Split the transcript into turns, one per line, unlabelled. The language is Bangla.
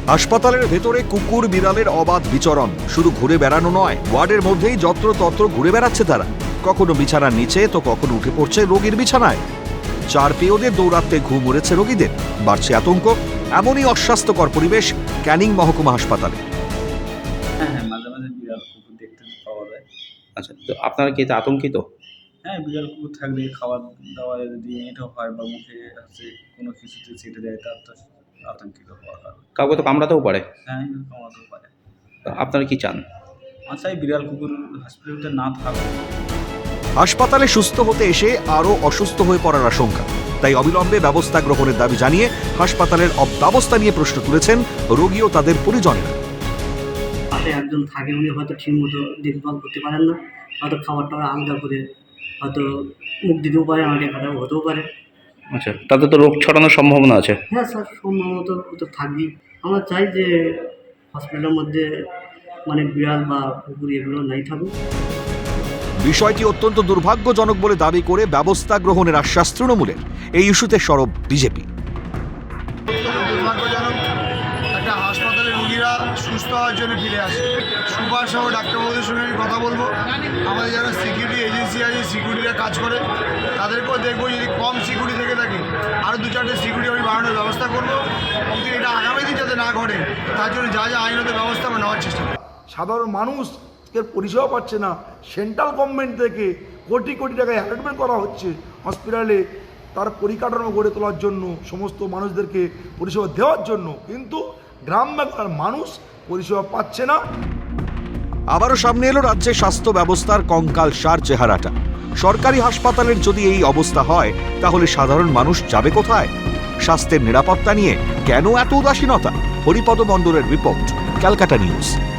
হাসপাতালের ভেতরে কুকুর বিড়ালের অবাধ বিচরণ, শুধু ঘুরে বেড়ানো নয়, ওয়ার্ডের মধ্যেই যত্রতত্র ঘুরে বেড়াচ্ছে তারা। কখনো বিছানার নিচে তো কখনো উঠে পড়ছে রোগীর বিছানায়। চার পেয়োদের দৌড়াতে ঘুম উড়েছে রোগীদের, বাড়ছে আতঙ্ক। এমনই অস্বাস্থ্যকর পরিবেশ ক্যানিং মহকুমা হাসপাতালে।
হ্যাঁ, মাঝে মাঝে বিড়াল কুকুর দেখতে পাওয়া যায়।
আচ্ছা, তো আপনারা কি এতে আতঙ্কিত?
হ্যাঁ, বিড়াল কুকুর থাকলে খাবার দাবার যদি এঁটো হয় বা মুখে হচ্ছে কোনো কিছুতে ছেটে দেয়, তার তো আতঙ্কিত হওয়ার কারণ।
কাউকে তো কামড়াতেও পারে।
হ্যাঁ, কামড়াতেও পারে।
তো আপনারা কি চান?
চাই বিড়াল কুকুর হসপিটালে না থাকে।
হাসপাতালে সুস্থ হতে এসে আরও অসুস্থ হয়ে পড়ার আশঙ্কা, তাই অবিলম্বে ব্যবস্থা গ্রহণের দাবি জানিয়ে হাসপাতালের অব্যবস্থা নিয়ে প্রশ্ন তুলেছেন রোগী ও তাদের পরিজনেরা।
পাশে একজন থাকে, উনি হয়তো ঠিকমতো দেখভাল করতে পারেন না, হয়তো খাবারটা আলাদা করে হয়তো মুখ দিতেও পারে, আমাদের খারাপ হতেও পারে।
আচ্ছা, তাতে তো রোগ ছড়ানোর সম্ভাবনা আছে।
হ্যাঁ স্যার, সম্ভবত তো থাকবেই। আমরা চাই যে হসপিটালের মধ্যে মানে বিড়াল বা কুকুর এগুলো নাই থাকুক।
বিষয়টি অত্যন্ত দুর্ভাগ্যজনক বলে দাবি করে ব্যবস্থা গ্রহণের আশ্বাস তৃণমূলের। এই ইস্যুতে সরব বিজেপি।
দুর্ভাগ্যজনক, একটা হাসপাতালে রোগীরা সুস্থ হওয়ার জন্য ফিরে আসে। সুপার সহ ডাক্তারবাবুদের সঙ্গে আমি কথা বলবো। আমাদের যারা সিকিউরিটি এজেন্সি আছে, সিকিউরিটিরা কাজ করে, তাদেরকেও দেখবো যদি কম সিকিউরিটি থেকে থাকে আরও 2-4টে সিকিউরিটি আমি বাড়ানোর ব্যবস্থা করবো। কিন্তু এটা আগামী দিন যাতে না ঘটে, তার জন্য যা যা আইনত ব্যবস্থা আমরা নেওয়ার চেষ্টা করব।
সাধারণ মানুষের পরিষেবা পাচ্ছে না। সেন্ট্রাল গভর্নমেন্ট থেকে কোটি কোটি টাকায় অ্যালটমেন্ট করা হচ্ছে হসপিটালে তার পরিকাঠামো গড়ে তোলার জন্য, সমস্ত মানুষদেরকে পরিষেবা দেওয়ার জন্য, কিন্তু গ্রাম বাংলার মানুষ পরিষেবা পাচ্ছে না।
আবারও সামনে এলো রাজ্যের স্বাস্থ্য ব্যবস্থার কঙ্কালসার চেহারাটা। সরকারি হাসপাতালের যদি এই অবস্থা হয়, তাহলে সাধারণ মানুষ যাবে কোথায়? স্বাস্থ্যের নিরাপত্তা নিয়ে কেন এত উদাসীনতা? হরিপদ মণ্ডলের রিপোর্ট, ক্যালকাটা নিউজ।